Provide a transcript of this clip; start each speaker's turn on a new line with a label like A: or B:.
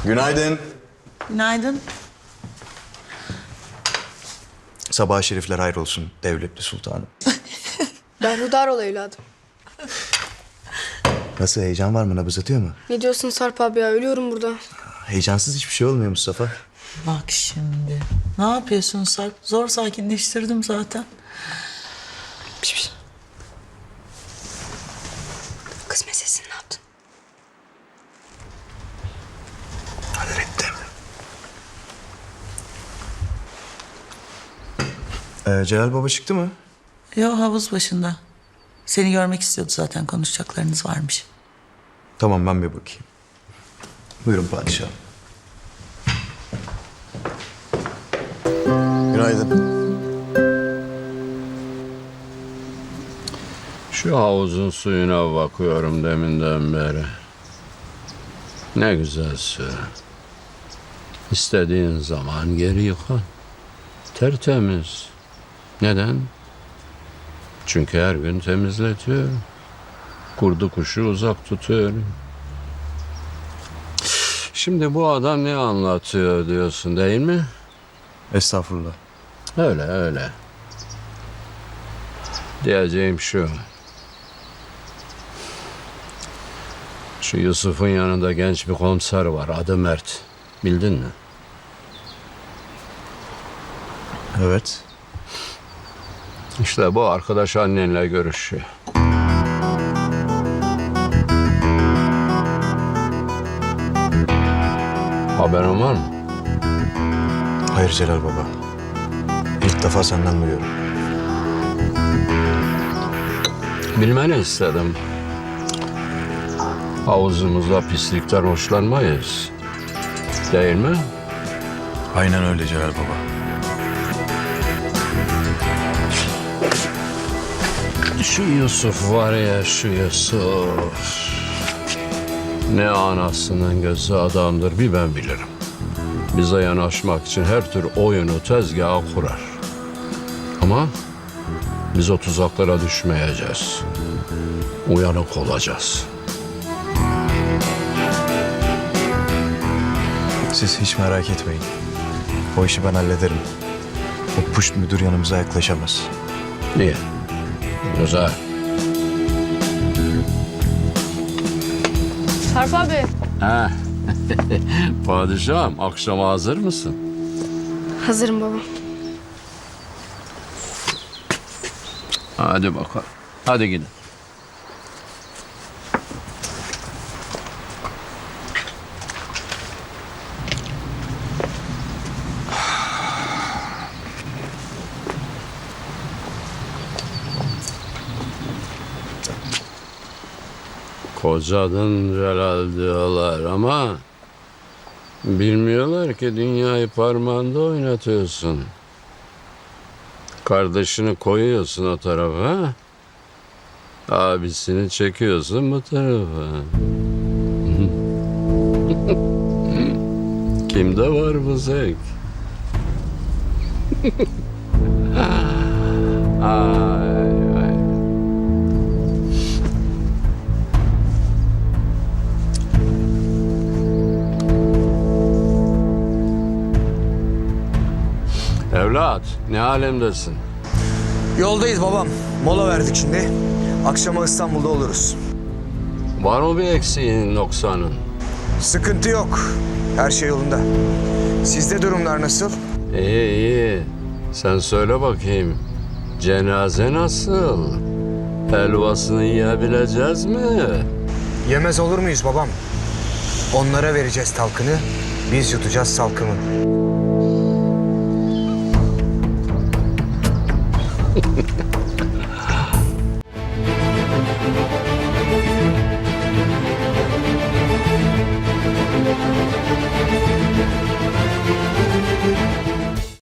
A: Günaydın.
B: Günaydın.
A: Sabah şerifler hayrolsun devletli sultanım.
C: Ben Rudarol evladım.
A: Nasıl, heyecan var mı, nabız atıyor mu?
C: Ne diyorsun Sarp abi ya? Ölüyorum burada.
A: Heyecansız hiçbir şey olmuyor Mustafa.
B: Bak şimdi. Ne yapıyorsun Sarp? Zor sakinleştirdim zaten.
C: Kız meselesini ne yaptın?
A: Hallettim. Celal Baba çıktı mı?
B: Yo, havuz başında. Seni görmek istiyordu zaten, konuşacaklarınız varmış.
A: Tamam, ben bir bakayım. Buyurun padişahım. Günaydın.
D: Şu havuzun suyuna bakıyorum deminden beri. Ne güzel su. İstediğin zaman geri yıkan. Tertemiz. Neden? Çünkü her gün temizletiyor. Kurdu kuşu uzak tutuyor. Şimdi bu adam ne anlatıyor diyorsun değil mi?
A: Estağfurullah.
D: Öyle öyle. Diyeceğim şu. Şu Yusuf'un yanında genç bir komiser var. Adı Mert. Bildin mi?
A: Evet.
D: İşte bu arkadaş annenle görüşüyor. Haberin var mı?
A: Hayır Celal Baba. İlk defa senden duyuyorum.
D: Bilmeni istedim. Havuzumuzda pislikten hoşlanmayız. Değil mi?
A: Aynen öyle Celal Baba.
D: Şu Yusuf var ya, şu Yusuf. Ne anasının gözü adamdır bir ben bilirim. Bize yanaşmak için her tür oyunu tezgaha kurar. Ama biz o tuzaklara düşmeyeceğiz. Uyanık olacağız.
A: Siz hiç merak etmeyin. O işi ben hallederim. O puşt müdür yanımıza yaklaşamaz.
D: Niye? Güzel.
C: Sarp abi.
D: Ha. Padişahım, akşama hazır mısın?
C: Hazırım baba.
D: Hadi bakalım. Hadi gidin. Kocadın Celal diyorlar ama bilmiyorlar ki dünyayı parmağında oynatıyorsun. Kardeşini koyuyorsun o tarafa, abisini çekiyorsun bu tarafa. Kimde var bu zevk? Ay, ay. Evlat, ne alemdesin?
E: Yoldayız babam. Mola verdik şimdi. Akşama İstanbul'da oluruz.
D: Var mı bir eksiğin, noksanın?
E: Sıkıntı yok. Her şey yolunda. Sizde durumlar nasıl?
D: İyi, iyi. Sen söyle bakayım. Cenaze nasıl? Helvasını yiyebileceğiz mi?
E: Yemez olur muyuz babam? Onlara vereceğiz talkını. Biz yutacağız salkımı.